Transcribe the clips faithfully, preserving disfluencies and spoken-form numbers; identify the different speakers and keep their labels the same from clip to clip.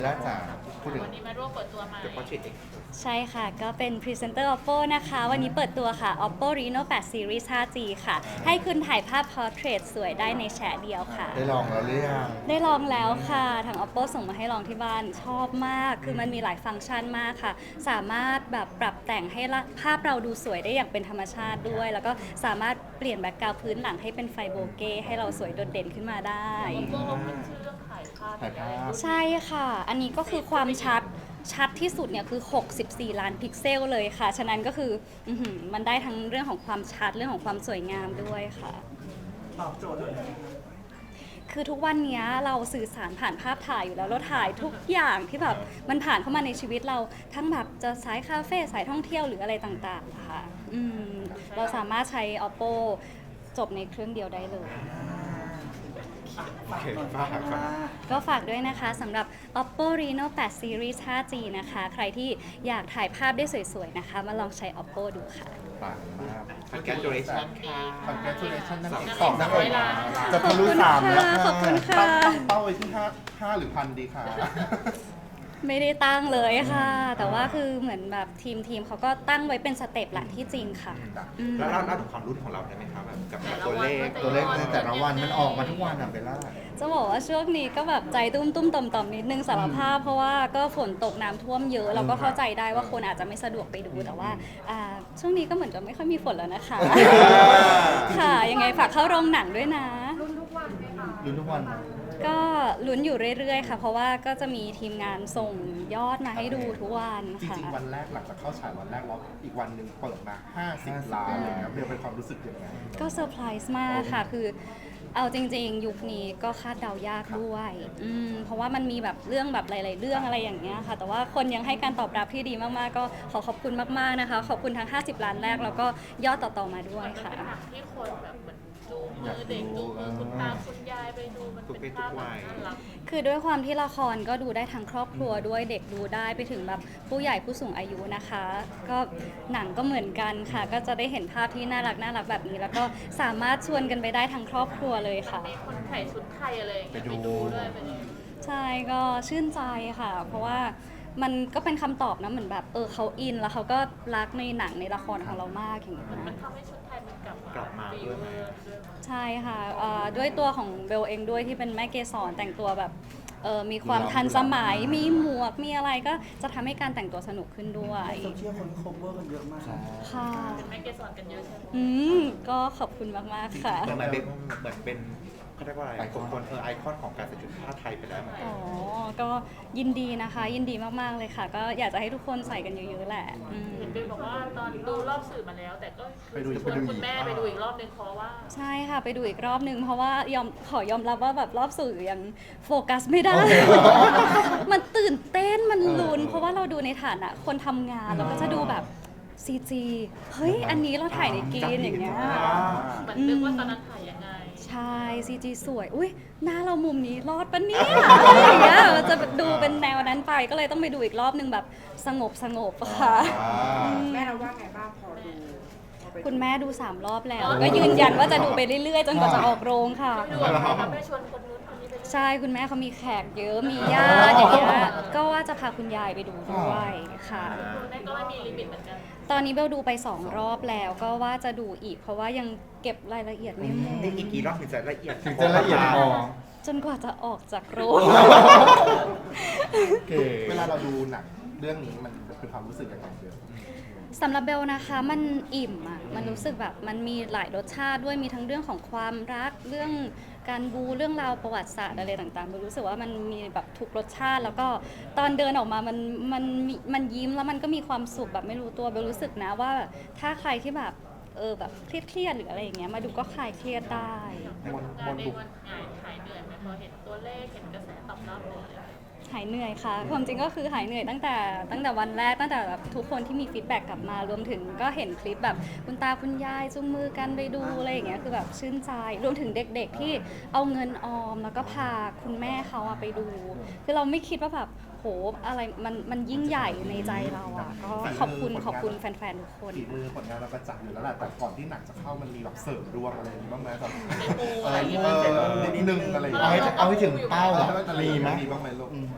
Speaker 1: แล้วจ๋าพูดถึง
Speaker 2: วันนี้มาร่วมเปิดตัวใหม่
Speaker 1: เดี๋ยวเขาฉีดเอง
Speaker 3: ใช่ค่ะก็เป็นพรีเซนเตอร์ Oppo นะคะวันนี้เปิดตัวค่ะ Oppo Reno แปด Series ไฟว์ จี ค่ะให้คุณถ่ายภาพ Portrait สวยได้ในแชะเดียวค่ะ
Speaker 1: ได้ลองแล้วหรือยัง
Speaker 3: ได้ลองแล้วค่ะทาง Oppo ส่งมาให้ลองที่บ้านชอบมากคือมันมีหลายฟังก์ชันมากค่ะสามารถแบบปรับแต่งให้ภาพเราดูสวยได้อย่างเป็นธรรมชาติด้วยแล้วก็สามารถเปลี่ยนแบ็คกราวด์พื้นหลังให้เป็นไฟโบเก้ให้เราสวยโดดเด่นขึ้นมาได้
Speaker 2: พวกเราขึ้นชื่อเรื่องถ่ายภาพ
Speaker 1: ถ่ายภาพ
Speaker 3: ใช่ค่ะ อันนี้ก็คือความชัด ชัดที่สุดเนี่ยคือ หกสิบสี่ ล้านพิกเซลเลยค่ะ ฉะนั้นก็คืออื้อหือมันได้ทั้งเรื่องของความชัด เรื่องของความสวยงามด้วยค่ะ
Speaker 4: ตอบโจทย์เลย
Speaker 3: คือทุกวันนี้เราสื่อสารผ่านภาพถ่ายอยู่แล้ว เราถ่ายทุกอย่างที่แบบมันผ่านเข้ามาในชีวิตเรา ทั้งแบบจะสายคาเฟ่ สายท่องเที่ยวหรืออะไรต่างๆค่ะอืมเราสามารถใช้ Oppo จบในเครื่องเดียวได้เลย
Speaker 1: โอเคฝากฝาก
Speaker 3: ก็ฝากด้วยนะคะสำหรับ Oppo Reno แปด Series ไฟว์ จี นะคะ ใครที่อยากถ่ายภาพได้สวยๆนะคะ มาลองใช้ Oppo ดูค่ะ
Speaker 1: ฝากมาก congratulation ค่ะ congratulation นั่นเอง
Speaker 2: สองนักเอก
Speaker 1: จะทะลุสามแล้ว
Speaker 3: ขอบคุณค่ะ
Speaker 1: ตั้งเป้าไว้ที่ห้าห้าหรือพันดีค่ะ
Speaker 3: ไม่ได้ตั้งเลยค่ะ แต่ว่าคือเหมือนแบบทีมทีมเขาก็ตั้งไว้เป็นสเต็ปแหละที่จริงค่ะอืม
Speaker 5: แล้วเราเล่าถึงความรุ่นของเราได้ไหมครับแบบกับตัวเลข
Speaker 1: ตัวเลขในแต่ละวันมันออกมาทุกวันอ่ะเบลล่า
Speaker 3: จะบอกว่าช่วงนี้ก็แบบใจตุ้มตุ้มต่อมต่อมนิดนึงสารภาพ เพราะว่าก็ฝนตกน้ำท่วมเยอะ เราก็เข้าใจได้ว่าคนอาจจะไม่สะดวกไปดูแต่ว่าอ่าช่วงนี้ก็เหมือนจะไม่ค่อยมีฝนแล้วนะคะ ค่ะ ยังไงฝากเข้าโรงหนังด้วยนะ
Speaker 1: ลุ้นทุกวันนะ
Speaker 3: ก็ลุ้นอยู่เรื่อยๆค่ะ เพราะว่าก็จะมีทีมงานส่งยอดมาให้ดูทุกวัน
Speaker 1: จ
Speaker 3: ค่ะ
Speaker 1: ริงๆวันแรกหลังจากเข้าฉายวันแรกแล้วอีกวันหนึ่งเปิดมาห้าสิบล้านอะไรเงี้ยเบลเป็นความรู้สึกยังไง
Speaker 3: ก็เซอร์ไพรส์มากค่ะ คือเอาจริงๆ ยุคนี้ก็คาดเดายากด้วยอืมเพราะว่ามันมีแบบเรื่องแบบหลาย ๆ เรื่องอะไรอย่างเงี้ยค่ะ แต่ว่าคนยังให้การตอบรับที่ดีมากๆ ก็ขอขอบคุณมากๆนะคะ ขอบคุณทั้งห้าสิบล้านแรกแล้วก็ยอดต่อๆมาด้วยค่ะ
Speaker 2: เป็นหนังที่คนแบบเหมือนจูงมือเด็กจูงมือคุณตาคุณยายไปดูมันเป็นภาพแบบน่ารัก
Speaker 3: คือด้วยความที่ละครก็ดูได้ทั้งครอบครัวด้วยเด็กดูได้ไปถึงแบบผู้ใหญ่ผู้สูงอายุนะคะ ก็หนังก็เหมือนกันค่ะ ก็จะได้เห็นภาพที่น่ารักน่ารักแบบนี้ แล้วก็สามารถชวนกันไปได้ทั้งครอบครัวเลยค่ะ
Speaker 2: มีคนใส่ชุดไทยอะไรอย่างเงี้ยไปดูด้วยไปดู
Speaker 3: ใช่ก็ชื่นใจค่ะ เพราะว่ามันก็เป็นคำตอบนะเหมือนแบบเออเขาอินแล้วเขาก็รักในหนังในละครของเรามากอย่างเงี้ย
Speaker 2: มันทำให้ชุดไทยมันกลับ
Speaker 5: กลับมาด้วยไหม
Speaker 3: ใช่ค่ะเอ่อด้วยตัวของเบลเองด้วยที่เป็นแม่เกสรแต่งตัวแบบเออมีความทันสมัยมีหมวกมีอะไรก็จะทำให้การแต่งตัวสนุกขึ้นด้วย
Speaker 4: โซเชียลคนโคเวอร์กันเยอะมาก
Speaker 3: ค่ะ
Speaker 2: เป็นแม่เกสรกันเยอะใช่ไหม
Speaker 3: อืมก็ขอบคุณมากๆค่ะ
Speaker 5: เหมือนเป็นเหมือนเป็นเขาเรียกว่าอะไรคนคนเออไอคอนของการใส่ชุดผ้าไทยไปแล้วเหมือนกัน
Speaker 3: อ๋อ ก็ยินดีนะคะ ยินดีมากๆเลยค่ะ ก็อยากจะให้ทุกคนใส่กันเยอะๆแหละอืม
Speaker 2: เห็นเป็นบอกว่าตอนดูรอบสื่อมาแล้ว แต่ก็คือชวนคุณแม่ไปดูอีกรอบนึงเพราะว่า
Speaker 3: ใช่ค่ะไปดูอีกรอบนึงเพราะว่ายอมขอยอมรับว่าแบบรอบสื่อยังโฟกัสไม่ได้ มันตื่นเต้นมันลุ้นเพราะว่าเราดูในฐานะคนทำงานเราก็จะดูแบบซีจีเฮ้ยอันนี้เราถ่ายในกรีนอย่างเงี้ย
Speaker 2: เหมือนนึกว่าตอนนั้นถ่ายยังไง
Speaker 3: ใช่ซีจีสวยอุ้ยหน้าเรามุมนี้รอดปะเนี่ยอะไรอย่างเงี้ยเราจะดูเป็นแนวนั้นไปก็เลยต้องไปดูอีกรอบนึงแบบสงบสงบๆค่ะ
Speaker 4: แม่เราว่าไงบ้างพอดู
Speaker 3: คุณแม่ดูสามรอบแล้ว ก็ยืนยันว่าจะดูไปเรื่อยๆ จนกว่าจะออกโรงค่ะ
Speaker 2: ไม่ดูอะไรไม่ชวนคนนู้นคนนี้ไปด้วย
Speaker 3: ใช่คุณแม่เขามีแขกเยอะมีญาติอย่างเงี้ยก็ว่าจะพาคุณยายไปดูด้วยค่ะ
Speaker 2: คุณแม่ก็ไม่มีลิมิตเหมือนกัน
Speaker 3: ตอนนี้เบลดูไปสองรอบแล้วก็ว่าจะดูอีก เพราะว่ายังเก็บรายละเอียดไม่หมด
Speaker 5: นี่อีกกี่รอบถึงจะละเอียด
Speaker 1: ถึงจะละเอียดพอ
Speaker 3: จนกว่าจะออกจากโรง
Speaker 1: โอเคเวลาเราดูหนังเรื่องนี้มันเป็นความรู้สึกยังไงเบล
Speaker 3: สำหรับเบลนะคะมันอิ่มอ่ะมันรู้สึกแบบมันมีหลายรสชาติด้วยมีทั้งเรื่องของความรักเรื่องการบูเรื่องราวประวัติศาสตร์อะไรต่างๆเบลรู้สึกว่ามันมีแบบทุกรสชาติ แล้วก็ตอนเดินออกมามันมันมีมันยิ้มแล้วมันก็มีความสุขแบบไม่รู้ตัวเบลรู้สึกนะว่าถ้าใครที่แบบเออแบบเครียดๆหรืออะไรอย่างเงี้ยมาดูก็คลายเครียดได้
Speaker 2: ทำงานในวันหายหายเหนื่อยไหมพอเห็นตัวเลขเห็นกระแสตอบรับเลย
Speaker 3: หายเหนื่อยค่ะความจริงก็คือหายเหนื่อยตั้งแต่ตั้งแต่วันแรกตั้งแต่แบบทุกคนที่มีฟีดแบ็กกลับมารวมถึงก็เห็นคลิปแบบคุณตาคุณยายจุงมือกันไปดูอะไรอย่างเงี้ยคือแบบชื่นใจรวมถึงเด็กๆที่เอาเงินออมแล้วก็พาคุณแม่เขาอะไปดู คือเราไม่คิดว่าแบบโหอะไรมันมันยิ่งใหญ่ในใจเราอะก็ขอบคุณขอบคุณแฟนๆทุกคน
Speaker 1: ฝีมือผลงานเราประจักษ์อยู่แล้วแหละแต่ก่อนที่หนังจะเข้ามันมีแบบเสริมดวงอะไรอย่างนี้บ้างไหมแบบ
Speaker 2: ในปู
Speaker 1: เอ
Speaker 2: อะไร
Speaker 1: อ
Speaker 2: อย่างเงี้ย
Speaker 1: เออนิดนึงอะไรอย่าง
Speaker 5: เอา
Speaker 1: เงี้
Speaker 5: ให้
Speaker 1: ย
Speaker 5: เอาให้ถึงเป้า
Speaker 1: เอา
Speaker 5: อะ
Speaker 1: ให้มีไหมมีบ้างไหมลูก
Speaker 3: คื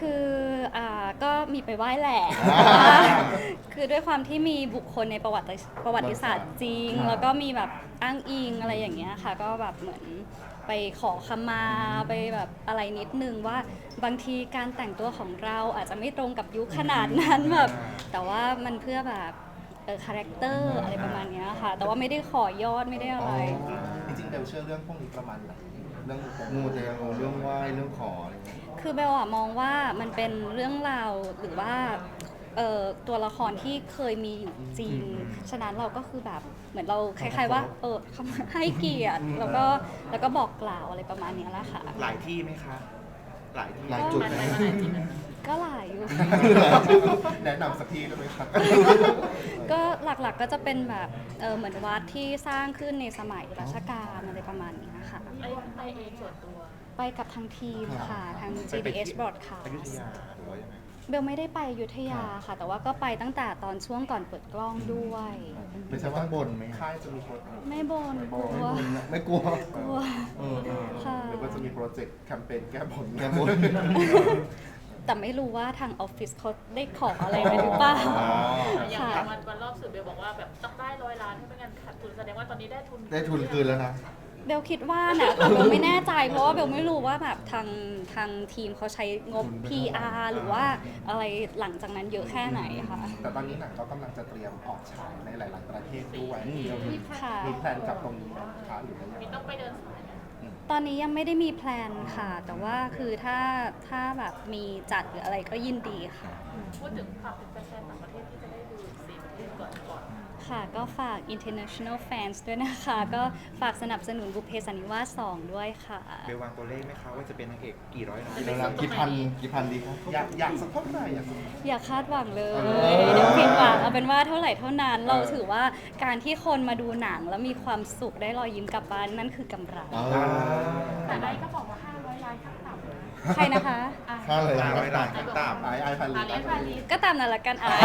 Speaker 3: คืออ่าก็มีไปไหว้แหละ คือด้วยความที่มีบุคคลในประวัติประวัติศาสตร์จริง แล้วก็มีแบบอ้างอิงอะไรอย่างเงี้ยค่ะ ก็แบบเหมือนไปขอขมาไปแบบอะไรนิดนึงว่าบางทีการแต่งตัวของเราอาจจะไม่ตรงกับยุคขนาดนั้นแบบแต่ว่ามันเพื่อแบบเออคาแรคเตอร์อะไรประมาณเนี้ยค่ะ แต่ว่าไม่ได้ขอยอดไม่ได้อะไร
Speaker 1: จริงๆเบลเชื่อเรื่องพวกนี้ประมาณไหนเรื่อง
Speaker 6: มูเตลูเรื่องไหว้เรื่องขออะไรเงี้ย
Speaker 3: คือเบลอะมองว่ามันเป็นเรื่องราวหรือว่าเอ่อตัวละครที่เคยมีอยู่จริง ฉะนั้นเราก็คือแบบเหมือนเราคล้ายๆว่าเออเขาให้เกียรติแล้วก็แล้วก็บอกกล่าวอะไรประมาณเนี้ยแหละค่ะ
Speaker 5: หลายที่ไหมคะ หลายที่
Speaker 6: หลายจุด
Speaker 2: มัน
Speaker 6: นะ
Speaker 2: ไปมาหลายที่นะ
Speaker 3: ก็หลายอยู่
Speaker 1: แนะนำสักที่ได้ไหมครับ
Speaker 3: ก็หลักๆก็จะเป็นแบบเออเหมือนวัดที่สร้างขึ้นในสมัยรัชกาลอะไรประมาณนี้ค่ะ
Speaker 2: ไปไปเองส่วนตัว
Speaker 3: ไปกับทางทีมค่ะทาง จี บี เอส Broadcast
Speaker 5: อยุธยาหรือว่ายังไง
Speaker 3: เบลไม่ได้ไปอยุธยาค่ะ แต่ว่าก็ไปตั้งแต่ตอนช่วงก่อนเปิดกล้องด้วย
Speaker 1: ไม่ใช่ว่าบนไหมค่ายจะมีโปรเจกต์
Speaker 3: ไม่บนกลัว
Speaker 6: ไม่กลัว
Speaker 3: กลัว
Speaker 6: เออเออ
Speaker 3: ค่ะ
Speaker 1: หรือว่าจะมีโปรเจกต์แคมเปญแก้บน
Speaker 6: แก้บน
Speaker 3: แต่ไม่รู้ว่าทางออฟฟิศเขาได้ขออะไรไปหรือเปล่า
Speaker 6: อ๋อ
Speaker 2: อย่าง
Speaker 3: ค่ะ
Speaker 2: อย่างวันวันรอบสื่อเบลบอกว่าแบบต้องได้ร้อยล้านให้ไม่งั้นขาดทุนแสดงว่าตอนนี้ได้ทุน
Speaker 6: ได้ทุนคืนแล้วนะ
Speaker 3: เบลคิดว่านะแต่เบลไม่แน่ใจ เพราะว่าเบลไม่รู้ว่าแบบทางทางทีมเขาใช้งบ พี อาร์ หรือว่าอะไรหลังจากนั้นเยอะแค่ไหนค่ะ
Speaker 1: แต่ตอนนี้หนังก็กำลังจะเตรียมออกฉายในหลาย ๆ ประเทศด้วย
Speaker 3: ค่ะ
Speaker 1: มีแพลนกับตรงนี้ไหมคะหรือว่ายัง
Speaker 2: มี
Speaker 1: ไง
Speaker 2: ต้องไปเดินสายไหม
Speaker 3: ตอนนี้ยังไม่ได้มีแพลนค่ะ แต่ว่าคือถ้าถ้าแบบมีจัดหรืออะไรก็ยินดีค่ะ
Speaker 2: พูดถึงฝากถึงแฟนๆต่างประเทศที่จะได้ดูสี่ประเทศก่อนก่อน
Speaker 3: ค่ะก็ฝาก international fans ด้วยนะคะ ก็ฝากสนับสนุนบุพเพสันนิวาสสองด้วยค่ะ
Speaker 5: เบลวางตัวเลขไหมคะว่าจะเป็นนางเอกกี่ร้อยล้าน
Speaker 6: เดี๋ยวนะกี่พันกี่พันดีครับ
Speaker 1: อยากอยากสักเท่าไหร่อยากสัก
Speaker 3: อย่าคาดหวังเลย
Speaker 6: เออ
Speaker 3: เดี๋ยวผิดหวังเอาเป็นว่าเท่าไหร่เท่านั้น เราถือว่าการที่คนมาดูหนังแล้วมีความสุขได้รอยยิ้มกลับบ้านนั่นคือกำไร
Speaker 6: อ๋อ
Speaker 2: แต่ไอ้ก็บอกว่าห้าร้อยล้านขั้นต่ำนะ
Speaker 3: ใครนะคะ
Speaker 6: ค่าเลย
Speaker 5: ห้า
Speaker 6: นะ
Speaker 5: ร้อยล้านขั้นต่ำ
Speaker 1: ไอไอพันลิต
Speaker 2: ไอ้พาลี
Speaker 3: ก็ตามนั้นละกันอ่ะ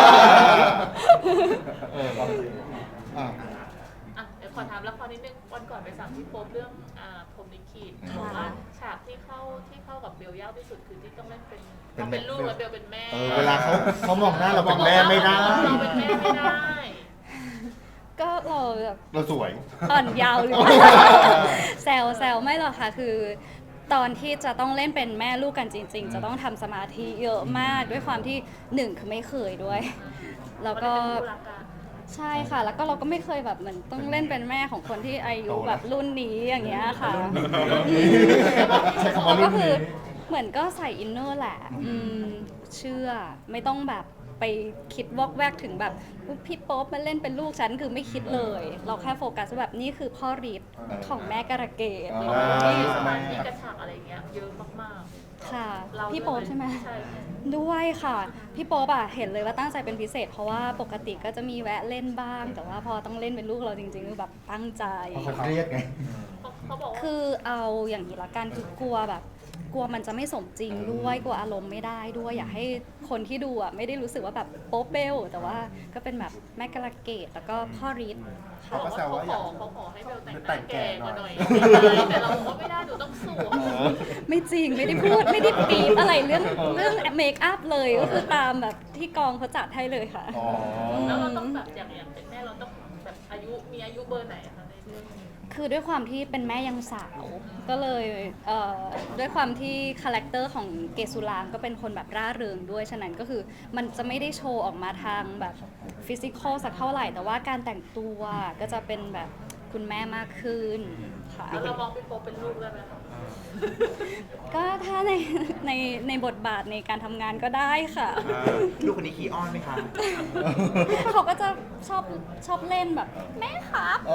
Speaker 6: เออครับอ่ะ
Speaker 2: อ่ะเดี๋ยวขอถามละครนิดนึงวันก่อนไปสั่งพี่โป๊ปเรื่องอ่าพรหมลิขิตบอกว่าฉากที่เข้าที่เข้ากับเบลยากที่สุดคือที่ต้องเล่นเป็นเราเป็นลูกแล้วเบลเป็นแม่
Speaker 6: เออเวลาเขาเขามองหน้าเราเป็นแม่ไม่ได้
Speaker 2: เราเป็นแม่ไม่ได้
Speaker 3: ก็เราแบบ
Speaker 6: เราสวย
Speaker 3: อ่อนเยาว์หรือเปล่า แซวแซวไม่หรอกค่ะคือ ตอนที่จะต้องเล่นเป็นแม่ลูกกันจริง ๆ จะต้องทำสมาธิเยอะมากด้วยความที่หนึ่งคือไม่เคยด้วย แล้วก็
Speaker 2: มันเป็นคู่รักกัน
Speaker 3: ใช่ค่ะ แล้วก็เราก็ไม่เคยแบบเหมือนต้องเล่นเป็นแม่ของคนที่อายุแบบรุ่นนี้อย่างเงี้ยค่ะ
Speaker 6: ใช้คำว่า
Speaker 3: เรา
Speaker 6: รุ่
Speaker 3: ก็
Speaker 6: น
Speaker 3: คื
Speaker 6: นี้
Speaker 3: อเหมือนก็ใส่อินเนอร์แหละอืมเชื่อไม่ต้องแบบไปคิดวอกแวกถึงแบบพี่โป๊ปมาเล่นเป็นลูกฉันคือไม่คิดเลย เราแค่โฟกัสว่าแบบนี่คือพ่อฤทธิ์ของแม่การะเกด
Speaker 6: อ่า
Speaker 2: ที่สมาธิกระฉากอะไรเงี้ยเยอะมาก
Speaker 3: ค่ะ
Speaker 2: ๆเรา
Speaker 3: พี่โป๊ปใช่ไหม
Speaker 2: ใช่
Speaker 3: ด้วยค่ะ พี่โป๊ปอะเห็นเลยว่าตั้งใจเป็นพิเศษ เพราะว่าปกติก็จะมีแวะเล่นบ้าง แต่ว่าพอต้องเล่นเป็นลูกเราจริงๆคือแบบตั้งใจ
Speaker 6: เพราะเขาเครียดไง
Speaker 2: เขาเขาบอกว่า
Speaker 3: คือเอาอย่างนี้ละกันคือกลัวแบบ กลัวมันจะไม่สมจริงด้วยกลัวอารมณ์ไม่ได้ด้วยอยากให้คนที่ดูอ่ะไม่ได้รู้สึกว่าแบบโป๊ปเบลแต่ว่าก็เป็นแบบแม่กระเกดแล้วก็พ่อฤทธิ์
Speaker 2: เขา
Speaker 3: ค่ะ
Speaker 2: บอกว่าเขาขอเขาขอให้เบลแต่งห
Speaker 1: แต่
Speaker 2: น้าง
Speaker 1: แก่
Speaker 2: แก่
Speaker 1: ห
Speaker 2: ก
Speaker 1: น่
Speaker 2: ว่า
Speaker 1: อย
Speaker 2: หน่อยแต่เราบอกว่าไม่ได้หนูต้องสวย
Speaker 3: ไม่จริงไม่ได้พูดไม่ได้ปีบอะไรเรื่องเรื่องเมคอัพเลยก็คือตามแบบที่กองเขาจัดให้เลยค่ะ
Speaker 6: อ๋อ
Speaker 2: แล้วเราต้องแบบอย่างอย่างเป็นแม่เราต้องแบบอายุมีอายุเบอร์ไหนอะคะในเรื่องนี้
Speaker 3: คือด้วยความที่เป็นแม่ยังสาว ก็เลยเอ่อด้วยความที่คาแรคเตอร์ของเกสุรางก็เป็นคนแบบร่าเริงด้วยฉะนั้นก็คือมันจะไม่ได้โชว์ออกมาทางแบบฟิสิกอลสักเท่าไหร่ แต่ว่าการแต่งตัวก็จะเป็นแบบคุณแม่มากขึ้นค่ะ
Speaker 2: แล้วเรามองพี่โป๊ปเป็นลูกได้ไหมคะ
Speaker 3: ก็ถ้าในในในบทบาทในการทำงานก็ได้ค่ะ
Speaker 5: อ่าลูกคนนี้ขี้อ้อนไหมคะ
Speaker 3: เขาก็จะชอบชอบเล่นแบบแม่ครับ
Speaker 6: โอ้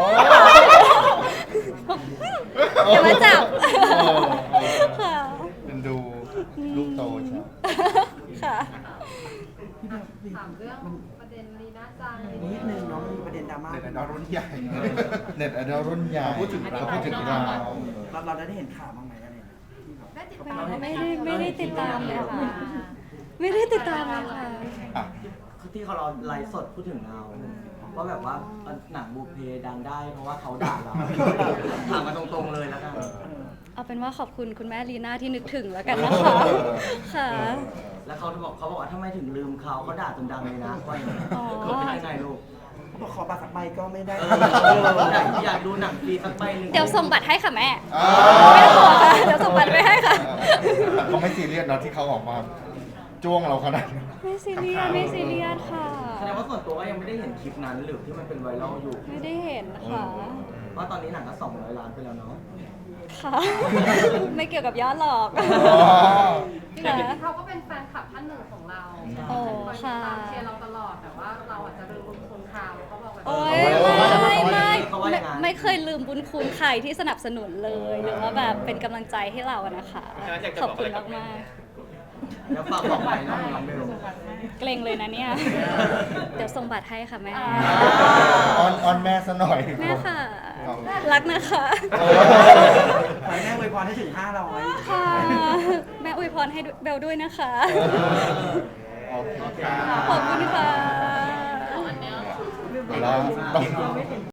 Speaker 3: อย่ามาจับ
Speaker 6: เออเออ
Speaker 3: ค่ะ
Speaker 6: เป็นดูลูกโตใช่ไหม
Speaker 3: ค่ะ
Speaker 4: ถามเรื่องประเด็นลีน่าจังนิดนึงเนาะมันมีประเด็นดราม่า
Speaker 1: ในในรุ่นใหญ่
Speaker 6: เน็ตไอดอลรุ่นใหญ่
Speaker 1: พูดถึงเรา
Speaker 6: พูดถึงเรา
Speaker 4: เราเราได้เห็นข่าวบ้างไหมอะไรเนี่ยได้ติดตาม
Speaker 3: ไม่ได้ไม่ได้ติดตามเลยค่ะ ไม่ได้ติดตามเลยค่ะ
Speaker 6: อ่ะ
Speaker 7: คือที่เขาเราไลฟ์สดพูดถึงเราว่าแบบว่าหนังบุพเพดังได้เพราะว่าเขาด่าเราถามมาตรงๆเลยแล้วกัน
Speaker 3: เอาเป็นว่าขอบคุณคุณแม่ลีน่าที่นึกถึงแล้วกันนะคะ ค่ะ
Speaker 7: แล้วเขาบอกเขาบอกว่าทำไมถึงลืมเขาเขาด่าจนดังเลยนะว่าอย่างนี้
Speaker 3: อ๋อ
Speaker 7: เขาเป็นยังไงลูก
Speaker 4: เขาบอกขอบัตรสักใบก็ไม่ได้
Speaker 7: เอออยากอยากดูหนังฟรีสักใบหนึ่ง
Speaker 3: เดี๋ยวส่งบัตรให้ค่ะแม่
Speaker 6: อ่า
Speaker 3: ไม่ต้องห่วงค่ะ เดี๋ยวส่งบัตรไปให้ค่ะ
Speaker 6: แต่ก็ไม่ซีเรียสเนาะที่เขาออกมาจ้วงเราขนาดนี้
Speaker 3: ไม่ซีเรียสไม่ซีเรียสค่ะ
Speaker 7: แสดงว่าส่วนตัวก็ยังไม่ได้เห็นคลิปนั้นหรือที่มันเป็นไวรัลอยู่
Speaker 3: ไม่ได้เห็นค่ะ
Speaker 7: ว่าตอนนี้หนังก็สองร้อยล้านไปแล้วเนาะ
Speaker 3: ค่ะ ไม่เกี่ยวกับยอดหรอก
Speaker 6: อ๋อ
Speaker 3: ค่ะ
Speaker 8: เขาก็เป็นแฟนคลับท่านหนึ่งของเรา
Speaker 3: โอ้
Speaker 8: คอยติด
Speaker 3: ค่ะ
Speaker 8: ตามเชียร์เราตลอด แต่ว่าเราอาจจะลืมบุญคุณเขาเขาบอกแบบ
Speaker 3: โอ้ย
Speaker 6: โอ้ย
Speaker 3: ไม่ไม่
Speaker 7: เขาว่า
Speaker 3: ไม่
Speaker 7: อย่างนั้น
Speaker 3: ไม่เคยลืมบุญคุณใครที่สนับสนุนเลย หรือว่าแบบเป็นกำลังใจให้เราอะนะคะ ขอบคุณมากมาก
Speaker 7: แล้วฝากบอกไปน้องน้องเบล
Speaker 3: ๆเกรงเลยนะเนี่ย เดี๋ยวส่งบัตรให้ค่ะแม่
Speaker 6: ออนออนแม่ซะหน่อย
Speaker 3: แม่ค่ะ รักนะคะ
Speaker 6: เออ
Speaker 4: ขอให้แม่อวยพรให้ถึงห้าร้อย
Speaker 3: ค่ะ แม่อวยพรให้เบลด้วยนะคะ
Speaker 6: โอเคค่ะ
Speaker 3: ขอบคุณค่ะ
Speaker 2: เอาอันเนี้ย
Speaker 6: แล้ว